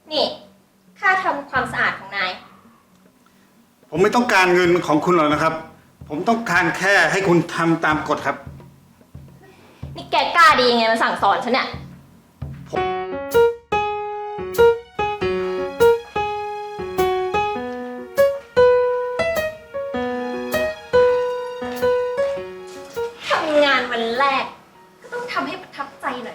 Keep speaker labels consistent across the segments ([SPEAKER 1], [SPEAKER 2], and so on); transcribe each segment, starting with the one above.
[SPEAKER 1] นี่ค่าทำความสะอาดของนาย
[SPEAKER 2] ผมไม่ต้องการเงินของคุณหรอกนะครับ ผมต้องการแค่ให้คุณทำตามกฎครับ
[SPEAKER 1] นี่แกกล้าดียังไงมาสั่งสอนฉันเนี่ยทำงานวันแรก ก็ต้องทำให้ประทับใจหน่อย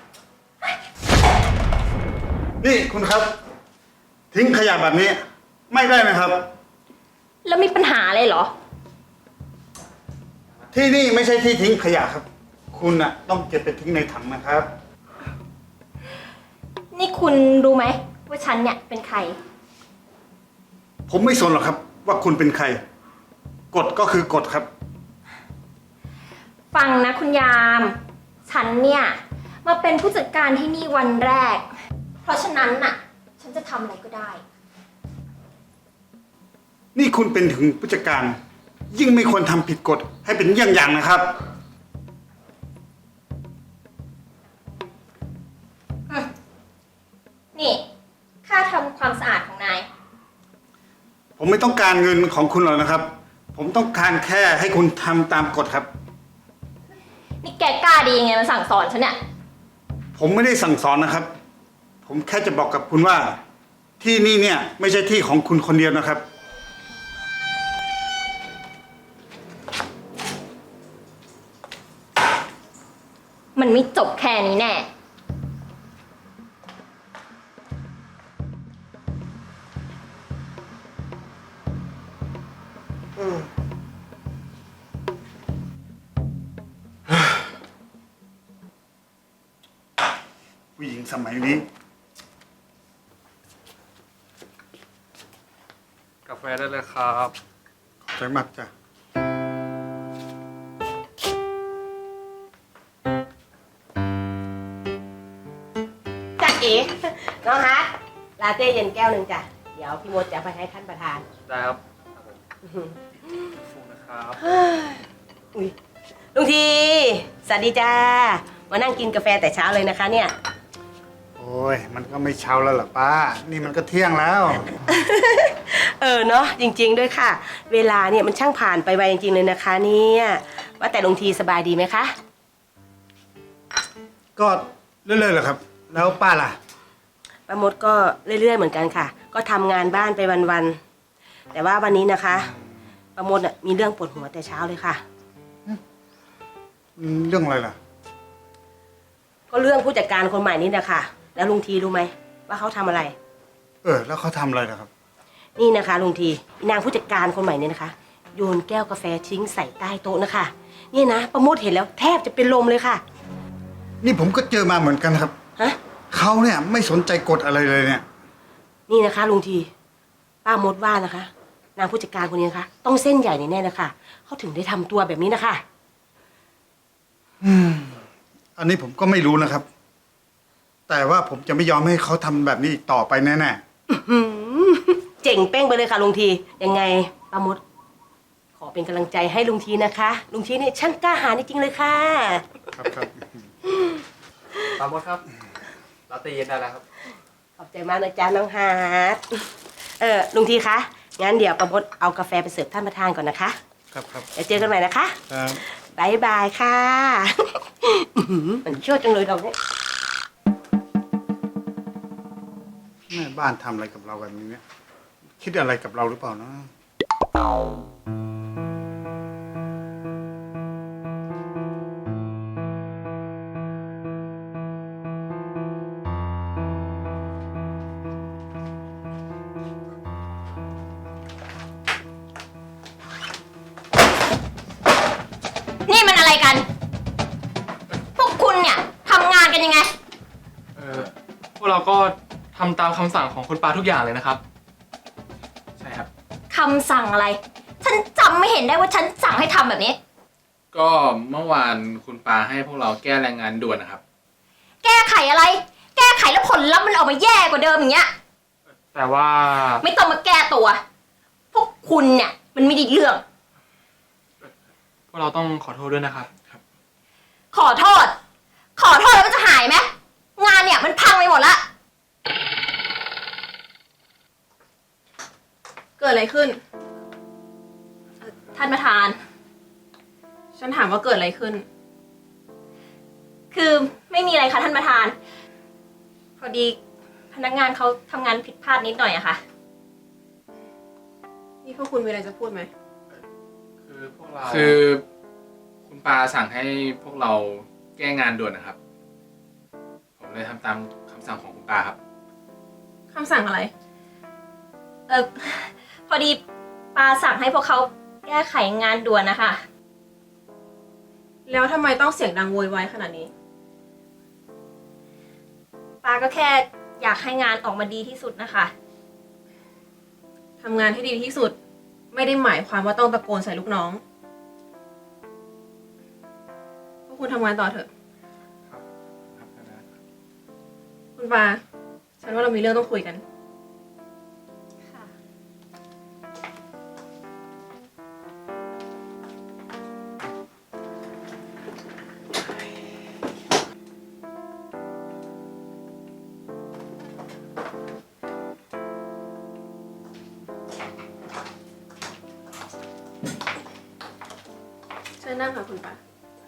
[SPEAKER 2] นี่คุณครับ ทิ้งขยะแบบนี้ไม่ได้นะครับ
[SPEAKER 1] แล้วมีปัญหาอะไรเหรอ
[SPEAKER 2] ที่นี่ไม่ใช่ที่ทิ้งขยะครับ คุณน่ะต้องเก็บไปทิ้งในถังนะครับ
[SPEAKER 1] นี่คุณรู้ไหมว่าฉันเนี่ยเป็นใคร
[SPEAKER 2] ผมไม่สนหรอกครับ ว่าคุณเป็นใครกฎก็คือกฎครับ
[SPEAKER 1] ฟังนะคุณยาม ฉันเนี่ยมาเป็นผู้จัดการที่นี่วันแรก เพราะฉะนั้นน่ะ ฉันจะทำอะไรก็ได้
[SPEAKER 2] นี่คุณเป็นถึงผู้จัดการ ยิ่งไม่ควรทำผิดกฎให้เป็นเยี่ยงอย่างนะครับ
[SPEAKER 1] นี่ค่าทำความสะอาดของนาย
[SPEAKER 2] ผมไม่ต้องการเงินของคุณหรอกนะครับ ผมต้องการแค่ให้คุณทำตามกฎครับ
[SPEAKER 1] นี่แกกล้าดียังไงมาสั่งสอนฉันเนี่ย
[SPEAKER 2] ผมไม่ได้สั่งสอนนะครับ ผมแค่จะบอกกับคุณว่า ที่นี่เนี่ยไม่ใช่ที่ของคุณคนเดียวนะครับ
[SPEAKER 1] มันไม่จบแค่นี้แน่
[SPEAKER 2] ผู้หญิงสมัยนี้
[SPEAKER 3] กาแฟได้เลยครับ
[SPEAKER 2] ขอบใจมากจ้ะ
[SPEAKER 4] จ้าเอ๋น้องฮะลาเต้เย็นแก้วหนึ่งจ้ะ เดี๋ยวพี่มดจะไปให้ท่านประธาน
[SPEAKER 3] ได้ครับฟูนะครับ
[SPEAKER 4] อุ้ยลุงที สวัสดีจ้า มานั่งกินกาแฟแต่เช้าเลยนะคะเนี่ย
[SPEAKER 2] โอ้ยมันก็ไม่เช้าแล้วล่ะป้า นี่มันก็เที่ยงแล้ว
[SPEAKER 4] เนาะจริง ๆ ด้วยค่ะ เวลาเนี่ยมันช่างผ่านไปไวจริงๆเลยนะคะเนี่ยว่าแต่ลุงทีสบายดีไหมคะ
[SPEAKER 2] ก็เรื่อยๆแหละครับ แล้วป้าล่ะ
[SPEAKER 4] ป้ามดก็เรื่อยๆเหมือนกันค่ะ ก็ทำงานบ้านไปวันๆแต่ว่าวันนี้นะคะป้ามดน่ะมีเรื่องปวดหัวแต่เช้าเลยค่ะ
[SPEAKER 2] เรื่องอะไรล่ะ
[SPEAKER 4] ก็เรื่องผู้จัดการคนใหม่นี่นะคะแล้วลุงทีรู้ไหมว่าเขาทำอะไร
[SPEAKER 2] แล้วเขาทำอะไรล่ะครับ
[SPEAKER 4] นี่นะคะลุงทีนางผู้จัดการคนใหม่เนี่ยนะคะโยนแก้วกาแฟทิ้งใส่ใต้โต๊ะนะคะนี่นะประโมทเห็นแล้วแทบจะเป็นลมเลยค่ะ
[SPEAKER 2] นี่ผมก็เจอมาเหมือนกันครับ
[SPEAKER 4] ฮะ
[SPEAKER 2] เขาเนี่ยไม่สนใจกฎอะไรเลยเนี่ย
[SPEAKER 4] นี่นะคะลุงทีป้ามดว่านะคะ นางผู้จัดการคนนี้นะคะต้องเส้นใหญ่แน่ๆนะคะเขาถึงได้ทำตัวแบบนี้นะคะ
[SPEAKER 2] อันนี้ผมก็ไม่รู้นะครับ แต่ว่าผมจะไม่ยอมให้เขาทำแบบนี้อีกต่อไปแน่
[SPEAKER 4] เจ๋งเป้งไปเลยค่ะลุงทียังไงป้ามด ขอเป็นกำลังใจให้ลุงทีนะคะลุงทีนี่ช่างกล้าหาญจริงๆเลยค่ะ
[SPEAKER 2] ๆครับครับ
[SPEAKER 3] ตามมดครับลาเต้เย็นได้แล้วครับ
[SPEAKER 4] ขอบใจมากนะจ๊ะน้องฮาร์ดลุงทีคะงั้นเดี๋ยวป้ามดเอากาแฟไปเสิร์ฟท่านประธานก่อนนะคะ
[SPEAKER 2] ครับครับ
[SPEAKER 4] เดี๋ยวเจอกันใหม่นะคะ
[SPEAKER 2] ครับ
[SPEAKER 4] บายบายค่ะ มันเชื่อจังเลยเราเนี่ย
[SPEAKER 2] แม่บ้านทำอะไรกับเราแบบนี้เนี่ย คิดอะไรกับเราหรือเปล่านะ
[SPEAKER 1] นี่มันอะไรกัน พวกคุณเนี่ยทำงานกันยังไง
[SPEAKER 3] พวกเราก็ทำตามคำสั่งของคุณปาทุกอย่างเลยนะครับ ใช่ครับ
[SPEAKER 1] คำสั่งอะไร ฉันจำไม่เห็นได้ว่าฉันสั่งให้ทำแบบนี้
[SPEAKER 3] ก็เมื่อวานคุณปาให้พวกเราแก้แรงงานด่วนนะครับ
[SPEAKER 1] แก้ไขอะไร แก้ไขแล้วผลลัพธ์มันออกมาแย่กว่าเดิมอย่างเงี้ย
[SPEAKER 3] แต่ว่า
[SPEAKER 1] ไม่ต้องมาแก้ตัว พวกคุณเนี่ยมันไม่ได้เรื่อง
[SPEAKER 3] พวกเราต้องขอโทษด้วยนะครับ
[SPEAKER 1] ขอโทษ ขอโทษแล้วมันจะหายไหม งานเนี่ยมันพังไปหมดละ
[SPEAKER 5] กิดอะไรขึ้น
[SPEAKER 1] ท่านประธาน
[SPEAKER 5] ฉันถามว่าเกิดอะไรขึ้น
[SPEAKER 1] คือไม่มีอะไรค่ะท่านประธาน พอดีพนักงานเขาทำงานผิดพลาดนิดหน่อยอะค่ะ
[SPEAKER 5] นี่พวกคุณมีอะไรจะพูดไหม
[SPEAKER 3] คือพวกเราคือคุณปาสั่งให้พวกเราแก้งานด่วนนะครับ ผมเลยทำตามคำสั่งของคุณปาครับ
[SPEAKER 5] คำสั่งอะไร
[SPEAKER 1] พอดีปาสั่งให้พวกเขาแก้ไขงานด่วนนะคะ
[SPEAKER 5] แล้วทำไมต้องเสียงดังโวยวายขนาดนี้
[SPEAKER 1] ปาก็แค่อยากให้งานออกมาดีที่สุดนะคะ
[SPEAKER 5] ทำงานให้ดีที่สุด ไม่ได้หมายความว่าต้องตะโกนใส่ลูกน้อง พวกคุณทำงานต่อเถอะ คุณปา ฉันว่าเรามีเรื่องต้องคุยกัน
[SPEAKER 1] ค่ะ
[SPEAKER 5] เชิญนั่งค่ะคุณปา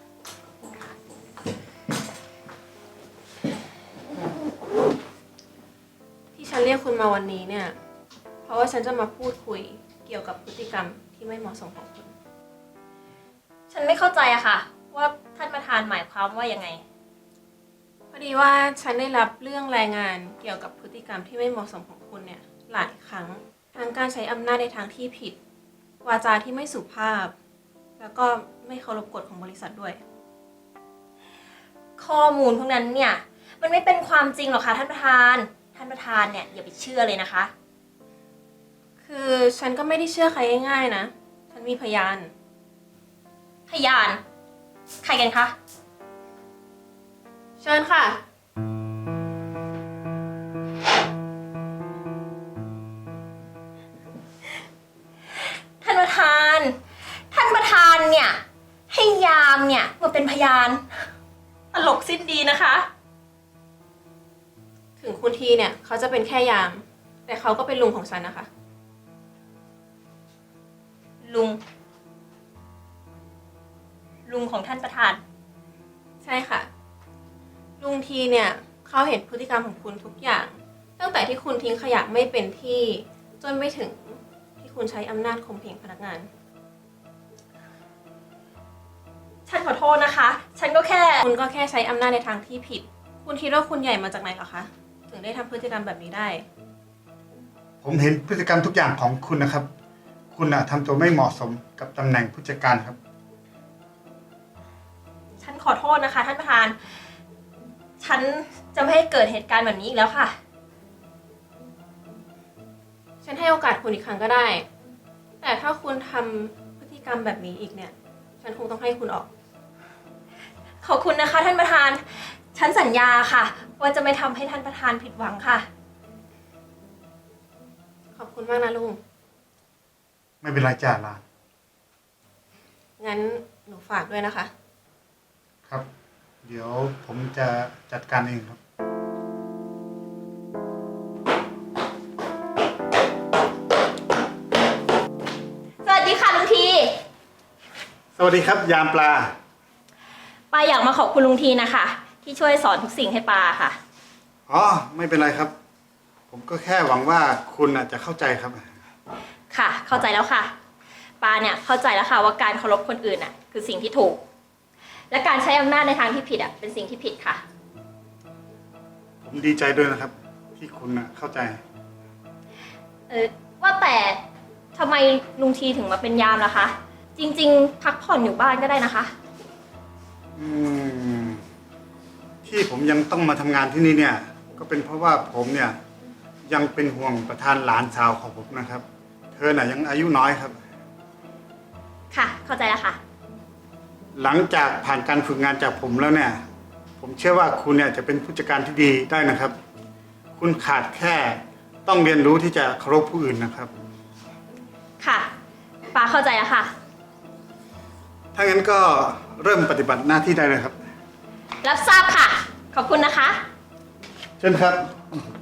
[SPEAKER 5] ที่ฉันเรียกคุณมาวันนี้เนี่ย เพราะว่าฉันจะมาพูดคุยเกี่ยวกับพฤติกรรมที่ไม่เหมาะสมของคุณ
[SPEAKER 1] ฉันไม่เข้าใจอะค่ะ ว่าท่านประธานหมายความว่ายังไง
[SPEAKER 5] พอดีว่าฉันได้รับเรื่องรายงานเกี่ยวกับพฤติกรรมที่ไม่เหมาะสมของคุณเนี่ยหลายครั้งทั้งการใช้อำนาจในทางที่ผิด วาจาที่ไม่สุภาพ แล้วก็ไม่เคารพกฎของบริษัทด้วย
[SPEAKER 1] ข้อมูลพวกนั้นเนี่ย มันไม่เป็นความจริงหรอกค่ะท่านประธาน ท่านประธานเนี่ยอย่าไปเชื่อเลยนะคะ
[SPEAKER 5] คือฉันก็ไม่ได้เชื่อใครง่ายๆนะ ฉันมีพยาน
[SPEAKER 1] พยาน ใครกันคะ
[SPEAKER 5] เชิญค่ะ
[SPEAKER 1] ท่านประธาน ท่านประธานเนี่ย ให้ยามเนี่ยมาเป็นพยาน ตลกสิ้นดีนะคะ
[SPEAKER 5] ถึงคุณทีเนี่ยเขาจะเป็นแค่ยาม แต่เขาก็เป็นลุงของฉันนะคะ
[SPEAKER 1] ลุง ลุงของท่านประธาน
[SPEAKER 5] ใช่ค่ะ ลุงทีเนี่ยเขาเห็นพฤติกรรมของคุณทุกอย่าง ตั้งแต่ที่คุณทิ้งขยะไม่เป็นที่จนไปถึงที่คุณใช้อำนาจข่มเหงพนักงาน
[SPEAKER 1] ฉันขอโทษนะคะ ฉันก็แค่
[SPEAKER 5] คุณก็แค่ใช้อำนาจในทางที่ผิด คุณคิดว่าคุณใหญ่มาจากไหนเหรอคะ ถึงได้ทำพฤติกรรมแบบนี้ได้
[SPEAKER 2] ผมเห็นพฤติกรรมทุกอย่างของคุณนะครับ คุณทำตัวไม่เหมาะสมกับตำแหน่งผู้จัดการครับ
[SPEAKER 1] ฉันขอโทษนะคะ ท่านประธาน ฉันจะไม่ให้เกิดเหตุการณ์แบบนี้อีกแล้วค่ะ
[SPEAKER 5] ฉันให้โอกาสคุณอีกครั้งก็ได้ แต่ถ้าคุณทำพฤติกรรมแบบนี้อีกเนี่ย ฉันคงต้องให้คุณออก
[SPEAKER 1] ขอบคุณนะคะ ท่านประธาน ฉันสัญญาค่ะ ว่าจะไม่ทำให้ท่านประธานผิดหวังค่ะ
[SPEAKER 5] ขอบคุณมากนะลุง
[SPEAKER 2] ไม่เป็นไรจ้าลาน
[SPEAKER 5] งั้นหนูฝากด้วยนะคะ
[SPEAKER 2] ครับ เดี๋ยวผมจะจัดการเองครับ
[SPEAKER 1] สวัสดีค่ะลุงที
[SPEAKER 2] สวัสดีครับ ยามปลา
[SPEAKER 1] ปาอยากมาขอบคุณลุงทีนะคะ ที่ช่วยสอนทุกสิ่งให้ปาค่ะ
[SPEAKER 2] อ๋อ ไม่เป็นไรครับ ผมก็แค่หวังว่าคุณจะเข้าใจครับ
[SPEAKER 1] ค่ะ เข้าใจแล้วค่ะ ปาเนี่ยเข้าใจแล้วค่ะว่าการเคารพคนอื่นคือสิ่งที่ถูก และการใช้อำนาจในทางที่ผิดเป็นสิ่งที่ผิดค่ะ
[SPEAKER 2] ผมดีใจด้วยนะครับ ที่คุณเข้าใจ
[SPEAKER 1] ว่าแต่ทำไมลุงทีถึงมาเป็นยามล่ะคะ จริงๆ พักผ่อนอยู่บ้านก็ได้นะคะ
[SPEAKER 2] อืมที่ผมยังต้องมาทำงานที่นี่เนี่ย ก็เป็นเพราะว่าผมเนี่ยยังเป็นห่วงประธานหลานสาวของผมนะครับ เธอน่ะยังอายุน้อยครับ
[SPEAKER 1] ค่ะ เข้าใจแล้วค่ะ
[SPEAKER 2] หลังจากผ่านการฝึกงานจากผมแล้วเนี่ย ผมเชื่อว่าคุณเนี่ยจะเป็นผู้จัดการที่ดีได้นะครับ คุณขาดแค่ต้องเรียนรู้ที่จะเคารพผู้อื่นนะครับ
[SPEAKER 1] ค่ะ ปาเข้าใจแล้วค่ะ
[SPEAKER 2] ถ้างั้นก็เริ่มปฏิบัติหน้าที่ได้เลยครับ
[SPEAKER 1] รับทราบค่ะ ขอบคุณนะคะ
[SPEAKER 2] เชิญครับ